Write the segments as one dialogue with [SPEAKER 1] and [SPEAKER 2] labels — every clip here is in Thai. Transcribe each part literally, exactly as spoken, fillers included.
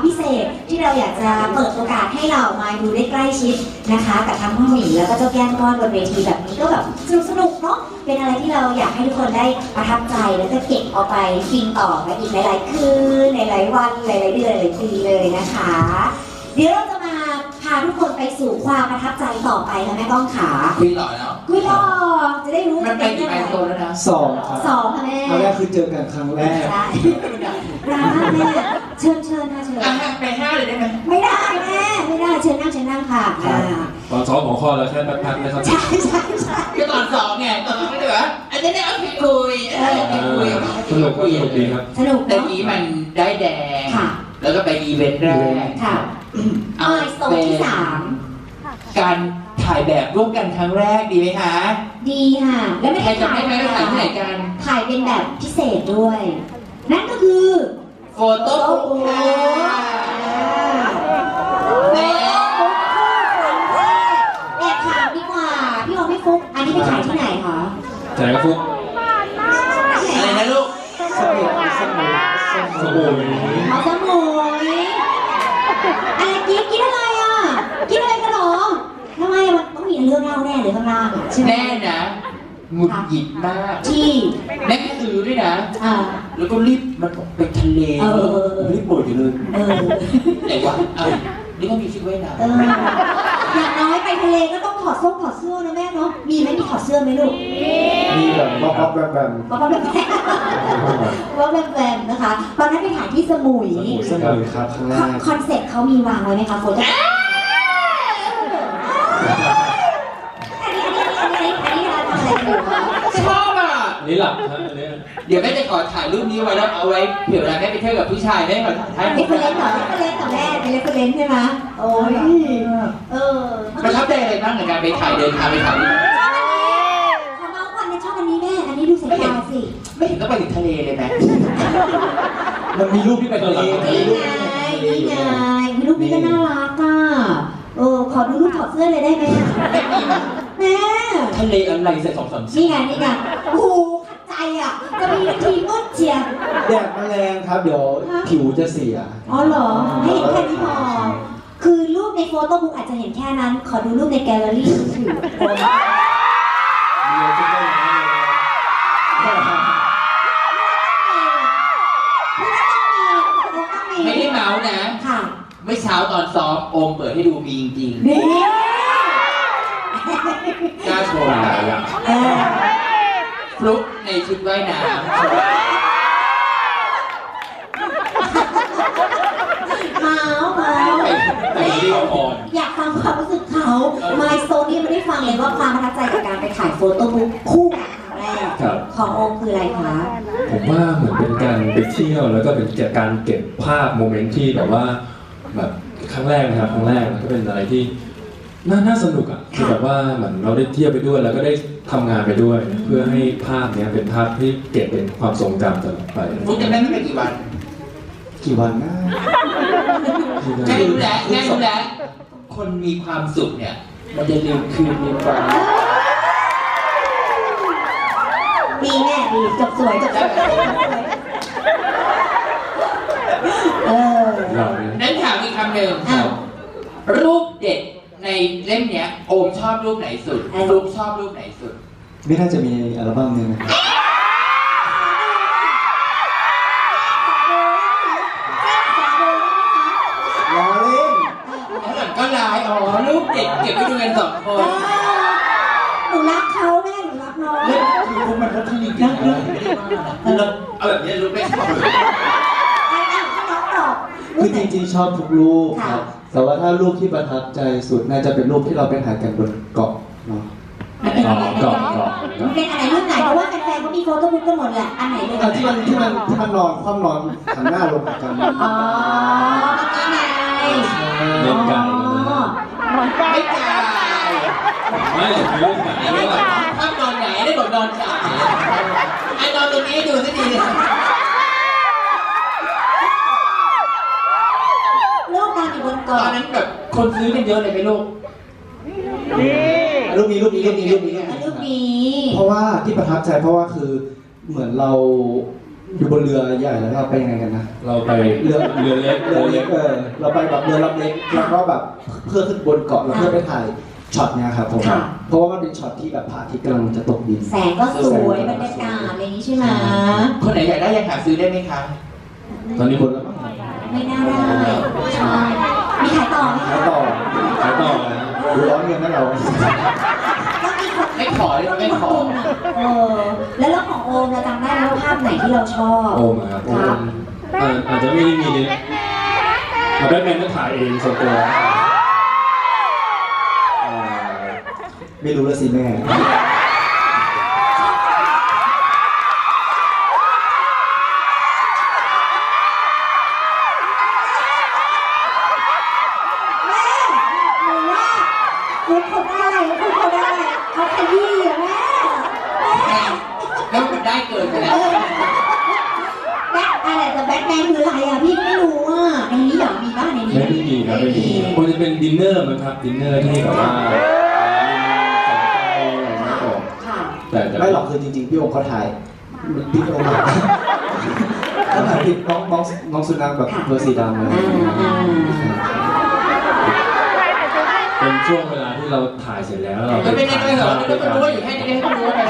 [SPEAKER 1] พิเศษที่เราอยากจะเปิดโอกาสให้เรามาดูได้ใกล้ชิดนะคะกับทั้งพ่อหมีแล้วก็เจ้าแก้มก้อนบนเวทีแบบนี้ก็แบบสนุกสนุกเนาะเป็นอะไรที่เราอยากให้ทุกคนได้ประทับใจแล้วก็เก็บเอาไปฟินต่อไปอีกหลายๆคืนหลายๆวันหลายๆเดือนหลายๆปีเลยนะคะเดี๋ยวเราจะมาพาทุกคนไปสู่ความประทับใจต่อไปค่ะแม่ก้องขา
[SPEAKER 2] คุยต่อแล้ว
[SPEAKER 1] คุยต่อจะได้รู้
[SPEAKER 2] มันไปกี่ไมล์โซนแล้วนะ
[SPEAKER 3] สองครับ
[SPEAKER 1] สองค่ะแม่
[SPEAKER 3] ครั้งแรกคือเจอกันครั้งแรก
[SPEAKER 1] ได้ร้านแม่เชิญเชิญค่ะเชิญ
[SPEAKER 2] ไปห้าเลยได้ไหม
[SPEAKER 1] ไม่ได้แม่ไม่ได้เชิญนั่งเชิญนั่งค่ะ
[SPEAKER 4] ตอนซ้อมของข้อแล้วแค่แป๊บๆนะครับ
[SPEAKER 1] ใช่ใช่ใช่
[SPEAKER 2] ก็ตอนสองไงตอนสองไม่ได้เหรออันนี้ได้เอาไปคุยไปคุย
[SPEAKER 4] สนุกก็สนุกดีครับ
[SPEAKER 1] สนุก
[SPEAKER 2] แต่นี้มันได้แดงแล้วก็ไปอีเวนต์แรก
[SPEAKER 1] ค่ะอ่าโซนที่สาม
[SPEAKER 2] การถ่ายแบบร่วมกันครั้งแรกดีไหมคะ
[SPEAKER 1] ดีค่ะแล้วไม่
[SPEAKER 2] ใครจะไม่ไม่ถ่ายที่ไหนกัน
[SPEAKER 1] ถ่ายเป็นแบบพิเศษด้วยนั่นก็คือ
[SPEAKER 2] โฟโต้บุ๊กค่ะ
[SPEAKER 1] แม่แอบถามดีกว่าพี่โอไม่ฟุกอันนี้ไปถ่ายที่ไหนคะ
[SPEAKER 4] ถ่ายกับฟุก
[SPEAKER 2] อะไรนะลูก
[SPEAKER 3] สมุยสมุยสมุย
[SPEAKER 1] เอาสมุยอะไรกินกินอะไรอ่ะกินอะไรกันหรอทำไมมันต้องมีเรื่องเล่าแน่เลยข้างล่างใช่ไหม
[SPEAKER 2] แน่นะหงุดหงิดมาก
[SPEAKER 1] ที่
[SPEAKER 2] แม่ซื้อด้วยนะแล้วก็รีบมันไปทะเลรีบปวดอยู่เลยไหนวะนี่ก็มีชุดว่ายน้ำ
[SPEAKER 1] อย่างน้อยไปทะเลก็ต้องถอดส้มถอดเสื้อนะแม่เนาะมีไหมมีถอดเสื้อไหมลูก
[SPEAKER 3] มีแบบบ๊อบบ๊อบแบมแบม
[SPEAKER 1] บ๊อบบ๊อบแบมแบมบ๊อบแบมแบมนะคะตอนนั้นไปถ่ายที่สมุย
[SPEAKER 3] สมุยครับข้างล่าง
[SPEAKER 1] คอนเซ็ปต์เขามีวางไว้ไหมคะโฟโต้
[SPEAKER 2] ชอบอ่ะ
[SPEAKER 4] นี่หลับนะอันนี้
[SPEAKER 2] เดี๋ยวแม่จะขอถ่ายรูปนี้ไว้แล้วเอาไว้เผื่อเวลาแม่ไปเที่ยวกับผู้ชายแม่ขอถ่าย
[SPEAKER 1] ให้เป็นเล่นต่อเป็นเล่นต่อแม่เป็นเล่นเป็นเล่นใช่ไหมโอ้ยเออ
[SPEAKER 2] ประทับใจอะไรบ้างในการไปถ่ายเดินทางไปถ่ายรูป
[SPEAKER 1] ชอบอันนี้ขอเมาส์วันนี้ชอบอันนี้แม่อันนี้ดูสายตาสิ
[SPEAKER 2] ไม่เห็นก็ไปถึงทะเลเลยไหม
[SPEAKER 3] มันมีรูปที่ไปทะเล
[SPEAKER 1] นี่ไงนี่ไงรูปนี้ก็น่ารักอ่ะเออขอดูรูปถอดเสื้อเลยได้ไหมแม่
[SPEAKER 2] ทะเลอะไรใส่สองสาม
[SPEAKER 1] นี่ไงนี่ไงโอ้โหขัดใจอ่ะจะมีทีมก้นเจีย
[SPEAKER 3] แดดแมลงครับเดี๋ยวผิวจะเสีย
[SPEAKER 1] อ๋อเหรอให้เห็นแค่นี้พอคือรูปในโฟโต้บุ๊กอาจจะเห็นแค่นั้นขอดูรูปในแกลเลอรี่ถือ
[SPEAKER 2] ไม่ได้เมาส์นะ
[SPEAKER 1] ค่ะ
[SPEAKER 2] เมื่อเช้าตอนซ้อมโอมเปิดให้ดูมีจริงๆ
[SPEAKER 1] นี่
[SPEAKER 2] กล้าโชว์อ่ะฟลุ๊กในชุดว่ายน้ำ
[SPEAKER 1] เมาเมาอยากฟังความรู้สึกเขาไมโซนี่ไม่ได้ฟังเลยว่าความประทับใจกับการไปถ่ายโฟโต้บุ๊กคู่กันครั้งแรกของโอมคืออะไรคะ
[SPEAKER 4] ผมว่าเหมือนเป็นการไปเที่ยวแล้วก็เป็นการเก็บภาพโมเมนต์ที่แบบว่าแบบครั้งแรกนะครับครั้งแรกมันก็เป็นอะไรที่น่าน่าสนุกอ่ะคือแบบว่าเหมือนเราได้เที่ยวไปด้วยแล้วก็ได้ทำงานไปด้วยเพื่อให้ภาพนี้เป็นภาพที่เก็บเป็นความทรงจำตลอดไป
[SPEAKER 2] ฟุ๊กจะได้ไม่ไปกี่วัน
[SPEAKER 3] กี่วันนะ
[SPEAKER 2] แค่รู้แล้วแค่รู้แล้วคนมีความสุขเนี่ยมันจะลืมคืนลืมวัน
[SPEAKER 1] ดีแน่ดีจบสวยจบสวยเออ
[SPEAKER 2] นั่นถามอีกคำหนึ่งรูปเด็กในเล่มเนี้ยโอมชอบรูปไหนสุดฟลุ๊กชอบรูปไหนสุด
[SPEAKER 3] ไม่น่าจะมีอัลบั้มนึงนะล้อเล่น
[SPEAKER 2] ก็ลายอ๋อรูปเด็กเก็บไว้ดูกันสองคน
[SPEAKER 1] หนูรักเขาแม่หนูรักน้อง
[SPEAKER 2] เล่นคือพวกมันก็ที่ดีกันเลยเราเอาแบบนี้รูปไม่ชอบ
[SPEAKER 3] คือจริงๆชอบทุกรูปครับแต่ว่าถ้ารูปที่ประทับใจสุดน่าจะเป็นรูปที่เราไปถ่ายกันบนเกาะเนาะ
[SPEAKER 4] เกาะเกาะ
[SPEAKER 1] มันเป็นอะไรรูปไหนเพราะว่าแฟนๆเขามีโฟโต้บุ๊กกันหมดแหละอันไหนเลย
[SPEAKER 3] ที่มันที่มันที่มันนอนคว่ำนอนหันหน้าลงกัน
[SPEAKER 1] อ๋อนี่ไง
[SPEAKER 4] เล่นกัน
[SPEAKER 2] ไม่กาย
[SPEAKER 4] ไม่เล่นกัน
[SPEAKER 2] ไม่กายถ้านอนไหนได้บอกนอนกายไอ้นอนตรงนี้ดูสิดีตอนนั้นแบบคนซื้อกันเยอะเลยไหมลูก
[SPEAKER 3] รูปนี้รูปนี้รูปนี้รูปนี้
[SPEAKER 1] รูปนี้
[SPEAKER 3] เพราะว่าที่ประทับใจเพราะว่าคือเหมือนเราอยู่บนเรือใหญ่แล้วเราไปยังไงกันนะ
[SPEAKER 4] เราไป
[SPEAKER 3] เรือ
[SPEAKER 4] เรือเล็ก
[SPEAKER 3] เรือเล็กเออเราไปแบบเรือลำเล็กแล้วก็แบบเพื่อขึ้นบนเกาะแล้วเพื่อไปถ่ายช็อตเนี่ยครับผม
[SPEAKER 1] ค่ะ
[SPEAKER 3] เพราะว่ามันเป็นช็อตที่แบบพระอาทิตย์กำลังจะตกดิน
[SPEAKER 1] แสงก็สวยบรรยากาศอะไรอย่างนี้ใช่ไหม
[SPEAKER 2] คนไหนอยากได้ยังหาซื้อได้ไหมคะ
[SPEAKER 4] ตอนนี้
[SPEAKER 3] ค
[SPEAKER 4] คน น
[SPEAKER 3] ละมั้ง
[SPEAKER 1] ไม่น่าได้ใช่มีขายต่อไหม
[SPEAKER 3] แล้วต่อ
[SPEAKER 4] ขายต่อนะ
[SPEAKER 3] ดูร้อนเงินนะเรา
[SPEAKER 1] ก็มีคน
[SPEAKER 2] ไม่ขอเลยไม่ขอ
[SPEAKER 1] เออแล้วเรื่องของโอมเราจำได้ไหมว่าภาพไหนที่เราชอบ
[SPEAKER 4] โอมอะครับโอ
[SPEAKER 1] ครั
[SPEAKER 4] ม
[SPEAKER 1] บ
[SPEAKER 4] อ่าอาจจะไม่ได้มีเนี่ยเอาแบทแมนก็ถ่ายเองส่วนตัวอ่า
[SPEAKER 3] ไม่รู้แล้วสิแม่
[SPEAKER 1] แม่หนูว่าคุณคนได้คุณคนได้เขาขยี้อะแม่แม่
[SPEAKER 2] แล้วมันได้เกินไปแล้ว
[SPEAKER 1] แบ็คอะไรแต่แบ็คแมนคืออะไรอ่ะพี่ไม่รู้อ่ะในนี้เหรอมีบ้างในนี้
[SPEAKER 4] ไม่ได้มีครับไม่มีคงจะเป็นดินเนอร์มั้งครับดินเนอร์ที่แบบว่ามีแสงไฟอะไรอย่างเงี้ยผม
[SPEAKER 1] ค่ะ
[SPEAKER 4] แต่แต่
[SPEAKER 3] ไม่หรอกคือจริงๆพี่องค์เขาถ่ายมันพี่องค์ถ่ายเขาถ่ายติดน้องน้องน้องสุนัขแบบตัวสีดำเลย
[SPEAKER 1] อ่าอ่า
[SPEAKER 4] เป็นช่วงเวลาที่เราถ่ายเสร็จแล้วเรา
[SPEAKER 2] ก็ไม่ได้
[SPEAKER 4] ถ่า
[SPEAKER 2] เลย ยเหรอ
[SPEAKER 4] ภาพ
[SPEAKER 2] ก็
[SPEAKER 4] ด้วยกัน
[SPEAKER 2] รู้ว่าอยู่แค่นี้ให้รู้ไป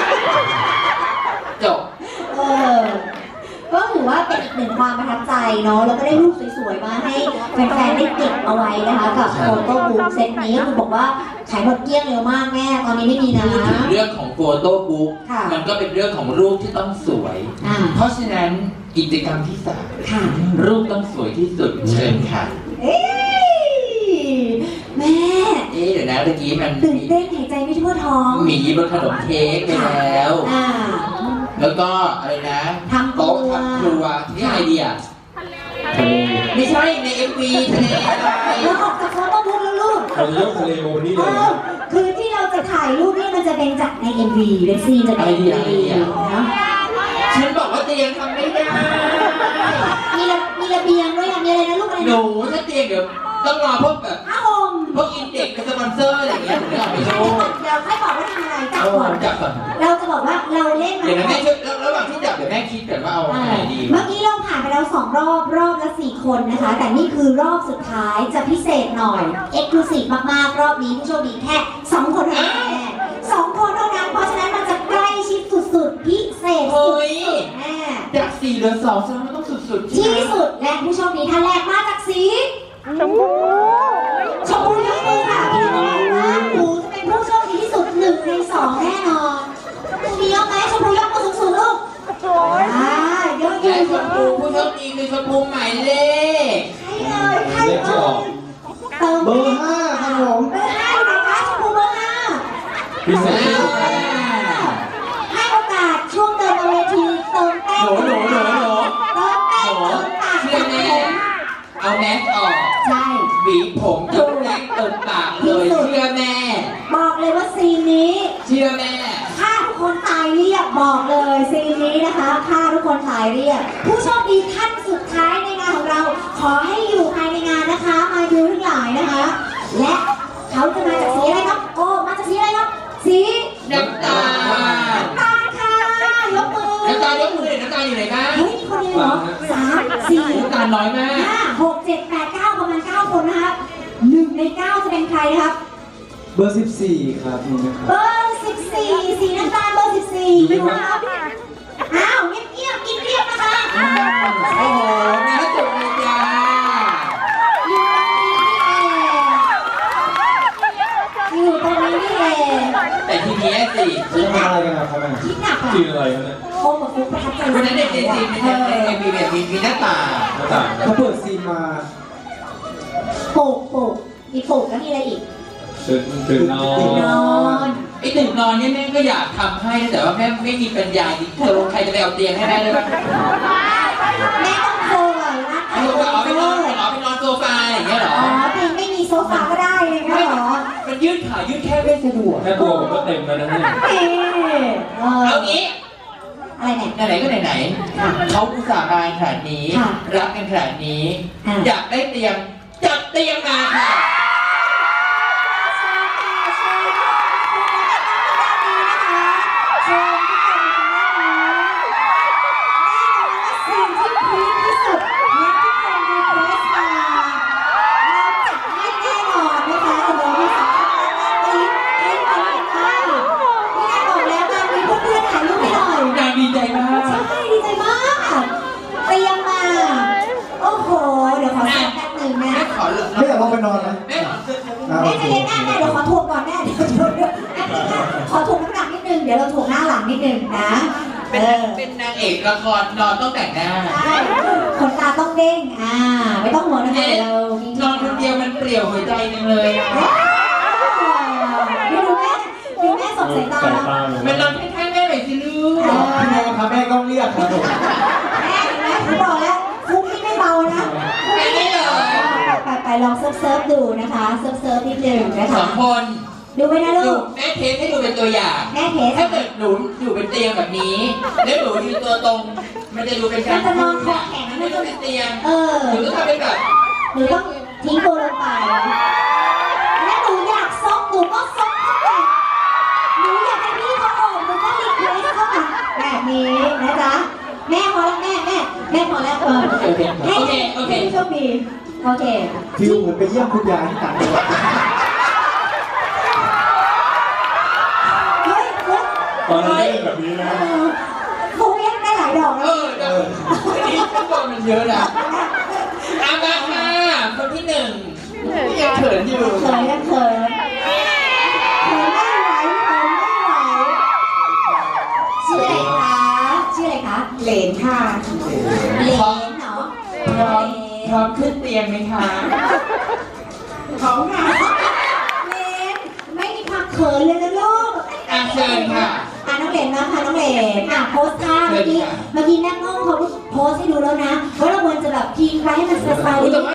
[SPEAKER 2] จบ
[SPEAKER 1] เออก็ถือว่าเป็นอีกหนึ่งความประทับใจเนาะแล้วก็ได้รูปสวยๆมาให้แฟนๆได้เก็บเอาไว้นะคะกับโฟโต้บุ๊กเซตนี้ก็คือบอกว่าขายหมดเกลี้ยงเร็วมากแม่ตอนนี้ไม่มีนะ
[SPEAKER 2] พูดถึงเรื่องของโฟโต้บุ๊ก
[SPEAKER 1] ค่ะ
[SPEAKER 2] มันก็เป็นเรื่องของรูปที่ต้องสวย
[SPEAKER 1] อ่า
[SPEAKER 2] เพราะฉะนั้นกิจกรรมที่สาม
[SPEAKER 1] ค่ะ
[SPEAKER 2] รูปต้องสวยที่สุดเชิญค่ะ
[SPEAKER 1] เอ้ยแม่
[SPEAKER 2] เอ๊ะเดี๋ยวนะตะกี้มัน
[SPEAKER 1] ตื่นเต้นหายใจไม่ทั่วท้อง
[SPEAKER 2] หมีบนขนมเค้กไปแล้ว
[SPEAKER 1] อ่า
[SPEAKER 2] แล้วก็อะไรนะ
[SPEAKER 1] ทำครัว
[SPEAKER 2] โต๊ะทำครัวนี่อะไรดีอ่ะ
[SPEAKER 4] ทะเล
[SPEAKER 2] ไม่ใช่ในเอ็มวีทะเลอะไร
[SPEAKER 1] แล้วออกจากโฟโต้บุ๊กแล้วลูก
[SPEAKER 4] เราจะยกทะเลโมนี่
[SPEAKER 1] เอ
[SPEAKER 4] เลย
[SPEAKER 1] อคือที่เราจะถ่ายรูปนี่มันจะเป็นจากใน เอ็ม วี เป็นซีนจากใน เอ็ม วี เนาะ
[SPEAKER 2] ฉันบอกว่าเตียงทำไม่ได้
[SPEAKER 1] มีระมีระเบียงด้วยอ่ะมีอะไรนะลูกอะไร
[SPEAKER 2] หนู
[SPEAKER 1] นะ
[SPEAKER 2] ถ้าเตียงเดี๋ยวต้องรอพวกแบบ
[SPEAKER 1] ผ้าห่ม
[SPEAKER 2] พวกอินเด็กกับสปอนเซอร์อะไรอย่างเงี้ยถึงจะเอาไปโชว์
[SPEAKER 1] เดี๋ยวค่อยบอกว่าทำอะไรจับ
[SPEAKER 2] เอ
[SPEAKER 1] ก่
[SPEAKER 2] อ
[SPEAKER 1] อน
[SPEAKER 2] จับก่อน
[SPEAKER 1] เราจะบอกว่าเราเล่นมา
[SPEAKER 2] เดี๋ยวนะแม่ช่วยแล้วระหว่างที่จับเดี๋ยวแม่คิดก่อนว่าเอาอันไหนดี
[SPEAKER 1] เมื่อกี้เราผ่านไปแล้วสองรอบรอบละสี่คนนะคะ แต่นี่คือรอบสุดท้ายจะพิเศษหน่อยเอ็กซ์คลูซีฟมากๆ รอบนี้ผู้โชคดีแค่สองคนเท่านั้นแน่สองคนเท่านั้นเพราะฉะนั้นมันจะใกล้ชิดสุดๆพิเศษสุ
[SPEAKER 2] เฮ้ย
[SPEAKER 1] ดๆแน่
[SPEAKER 2] จากสี่เหลือสองแสดงว่ามันต้องสุดๆใช่
[SPEAKER 1] ที่
[SPEAKER 2] ไหม
[SPEAKER 1] สุดและผู้โชคดีท่านแรกมาจากสีชมพูชมพูยกมือค่ะพี่น้องนะหนูจะเป็นผู้โชคดีที่สุดหนึ่งในสองแน่นอนชมพูยกไหมชมพูยกมือสูงๆลูกอ่ายกอ
[SPEAKER 2] และ
[SPEAKER 1] ยู่
[SPEAKER 2] ชมพูผู้โชคดีคือชมพูหมายเลข
[SPEAKER 1] ใครเลยใครเลยเติม
[SPEAKER 3] เบอร์ห้าครับผม
[SPEAKER 1] เบอร์ห้าอยู่ไหนคะชมพูเบอร์ห้า
[SPEAKER 4] พิเศษที่สุด
[SPEAKER 1] ให้โอกาสช่วงเติมเอาเวทีเติมเต้น
[SPEAKER 2] หนูหนูหนูหนู
[SPEAKER 1] เติมเต้น
[SPEAKER 2] หนู
[SPEAKER 1] เติมปาก
[SPEAKER 2] เชื่
[SPEAKER 1] เติ
[SPEAKER 2] อ
[SPEAKER 1] ม
[SPEAKER 2] แม่
[SPEAKER 1] ผม
[SPEAKER 2] เอาแมสออก
[SPEAKER 1] ใช่
[SPEAKER 2] หวีผมจนแรกเติมปากเลยเชื่อแม่
[SPEAKER 1] บอกเลยว่าซีนนี้
[SPEAKER 2] เชื่อแม่
[SPEAKER 1] ฆ่าทุกคนตายเรียบบอกเลยซีนนี้นะคะฆ่าทุกคนตายเรียบผู้โชคดีท่านสุดท้ายในงานของเรา ขอให้อยู่ภายในงานนะคะ มาดูทั้งหลายนะคะ และเขาจะมาจากสีอะไรครับโอ้มาจากสีอะไรครับสี
[SPEAKER 2] น้ำตาล
[SPEAKER 1] น้ำตาลค่ะยกมือ
[SPEAKER 2] น้ำตาลยกมือเลยน้ำตาลอยู่ไหนคะ
[SPEAKER 1] เฮ้ยมีคนเดียวเหรอสามสี่
[SPEAKER 2] น้ำตาลน้อยมาก
[SPEAKER 1] ห้าหกเจ็ดแปดเก้าประมาณเก้าคนนะครับหนึ่งในเก้าจะเป็นใครนะครับ
[SPEAKER 3] เบอร์สิบสี่ครับนี่นะค
[SPEAKER 1] เบ
[SPEAKER 3] รับ
[SPEAKER 1] อร์สิบสี่สีน้ำตาลเบอร์สิบสี่นะครับอ้าวเงียบๆกินเรียบนะคะอ้าว
[SPEAKER 2] โอ้โหน่าจบเลยจ้า
[SPEAKER 1] อยู่ตรงนี้นี่เอง
[SPEAKER 2] แต่ทีเนี้ยสิ
[SPEAKER 3] จะทำอะไรกันครับแม่
[SPEAKER 1] คิดหนักอะ
[SPEAKER 4] กินอะไรครับเนี่ย
[SPEAKER 1] โคมกับฟุกประทับใจ
[SPEAKER 2] วันนั้นในในซีนในในในมีแบบมีมีหน้าต่าง
[SPEAKER 4] หน้าต่าง
[SPEAKER 3] เขาเปิดซีนมา
[SPEAKER 1] ปลูกปลูกมีปลูกแล้วมีอะไรอีก
[SPEAKER 4] ตื่นตื่นนอน
[SPEAKER 1] นอน
[SPEAKER 2] ไอ้ตึกนอนเนี่ยแม่ก็อยากทำให้แต่ว่าแม่ไม่มีปัญญาจริงๆตกลงใครจะไปเอาเตียงให้แม่ได้บ้าง
[SPEAKER 1] แม่ต้องโทรอ่ะนะ
[SPEAKER 2] เอาเอาไปนอนเอาไปนอนโซฟาอย่างเงี้ยเหรอ
[SPEAKER 1] อ๋อเพลงไม่มีโซฟาก็ได้เลยค่ะเหรอ
[SPEAKER 2] มันยืดขายืดแค่ไม่สะดวก
[SPEAKER 4] แค่ตัวผมก็เต็มแล้วนะเนี่ย
[SPEAKER 1] เอ๊ะเออ
[SPEAKER 2] เอางี้
[SPEAKER 1] อะไรเนี่ย
[SPEAKER 2] ไหนๆก็ไหนๆเขาอุตส่าห์มาขนาดนี้
[SPEAKER 1] ค่ะ
[SPEAKER 2] รักกันขนาดนี้
[SPEAKER 1] ค่ะ
[SPEAKER 2] อยากได้เตียงจัดเตียงมาค่ะ
[SPEAKER 1] เชิญทุกคนทางด้านนี้แน่นอสักแป๊บหนึ่งนะ
[SPEAKER 2] แม่ขอเลย
[SPEAKER 3] ไม่อยากลงไปนอนนะ
[SPEAKER 2] แม่ขอซื้อ
[SPEAKER 3] อ่า
[SPEAKER 1] แม่
[SPEAKER 3] โอ
[SPEAKER 1] ใจะ
[SPEAKER 3] เค
[SPEAKER 1] เย็นแม่แม่เดี๋ยวขอถ่วงก่อนแม่เดี๋ยวเดี๋ยวเดี๋ยวแป๊บนึงนะขอถ่วงน้ำหนักนิดนึงเดี๋ยวเราถ่วงหน้าหลังนิดนึงนะ
[SPEAKER 2] เป็น
[SPEAKER 1] เออ
[SPEAKER 2] เป็นนางเอกละครนอนต้องแต่งหน้า
[SPEAKER 1] ใช่ขนตาต้องเด้งอ่าไม่ต้องห่วงนะคะเดี๋ยวเรามี
[SPEAKER 2] นอนคนเดียวมันเปลี่ยวหัวใจจังเลยอะ
[SPEAKER 1] ดูแม่ดูแม่ส่งสายตา
[SPEAKER 4] สาย
[SPEAKER 1] แล้ว
[SPEAKER 4] ตา
[SPEAKER 2] มันนอนข้างๆแม่หน่อยสิลูก
[SPEAKER 3] พี่โมครับแม่ก็เรียกครับผม
[SPEAKER 1] แม่เห็นไหมผมบอกแล้วฟุกนี่ไม่เบานะ
[SPEAKER 2] แค่นี้เลย
[SPEAKER 1] ไปไปลองเซิร์ฟเซิร์ฟดูนะคะเซิร์ฟเซิร์ฟนิดหนึ่งนะ
[SPEAKER 2] สอ
[SPEAKER 1] คะ
[SPEAKER 2] งคน
[SPEAKER 1] ดูไหมนะ
[SPEAKER 2] ดู
[SPEAKER 1] ลูก
[SPEAKER 2] แม่เทสให้ดูเป็นตัวอย่าง
[SPEAKER 1] แม่เทส
[SPEAKER 2] ถ้าเกิดหนูอยู่เป็นเตียงแบบนี้ แล้วหนูยืนตัวตรง มันจะดูเป็นการ
[SPEAKER 1] มันจะนอนคอแข็ง
[SPEAKER 2] ไม่ต้องเป็นเตียง
[SPEAKER 1] เออ
[SPEAKER 2] หนูต้องทำเป็นแบบ
[SPEAKER 1] หนูต้องทิ้งตัวลงไปและหนูอยากซกหนูก็ซกเข้าไปหนูอยากให้พี่เขาโอบหนูก็รีเควสเข้ามาแบบนี้นะจ๊ะแม่พอแล้วแม่แม่แม่พอแล้วเออ
[SPEAKER 2] โอเค
[SPEAKER 1] ให้
[SPEAKER 2] โอเคโอเค
[SPEAKER 1] ให้โชคดีโอเค
[SPEAKER 3] ฟิลเหมือนไปเยี่ยมคุณยายที่ต่างจังหวัด
[SPEAKER 1] เฮ้ยเฮ้ย
[SPEAKER 4] ตอนนั้นเล่นแบบนี้นะ
[SPEAKER 1] เออเขาเรียกได้หลายดอก
[SPEAKER 2] เอ
[SPEAKER 1] แล้ว
[SPEAKER 2] อเดี๋ยวอันนี้ข้างบนมันเยอะนะอามาค่ะคนที่หนึ่งยังเขินอยู่
[SPEAKER 1] เขินยังเขินเขินไม่ไหวเขินไม่ไหวชื่ออะไรคะชื่ออะไรคะเหลนค่ะเหลนเนาะ
[SPEAKER 2] พร้อมพร้อมขึ้นเตียงไหมคะ
[SPEAKER 1] ของค่ะเหลนไม่มีความเขินเลยนะลูก
[SPEAKER 2] อ่ะเชิญค่ะ
[SPEAKER 1] อ่ะน้องเหลนมาค่ะน้องเหลนอ่ะโพสท่าเมื่อกี้เมื่อกี้แม่ง้องเขาโพสให้ดูแล้วนะว่าเราควรจะแบบพีคไว้ให้มันสบายๆ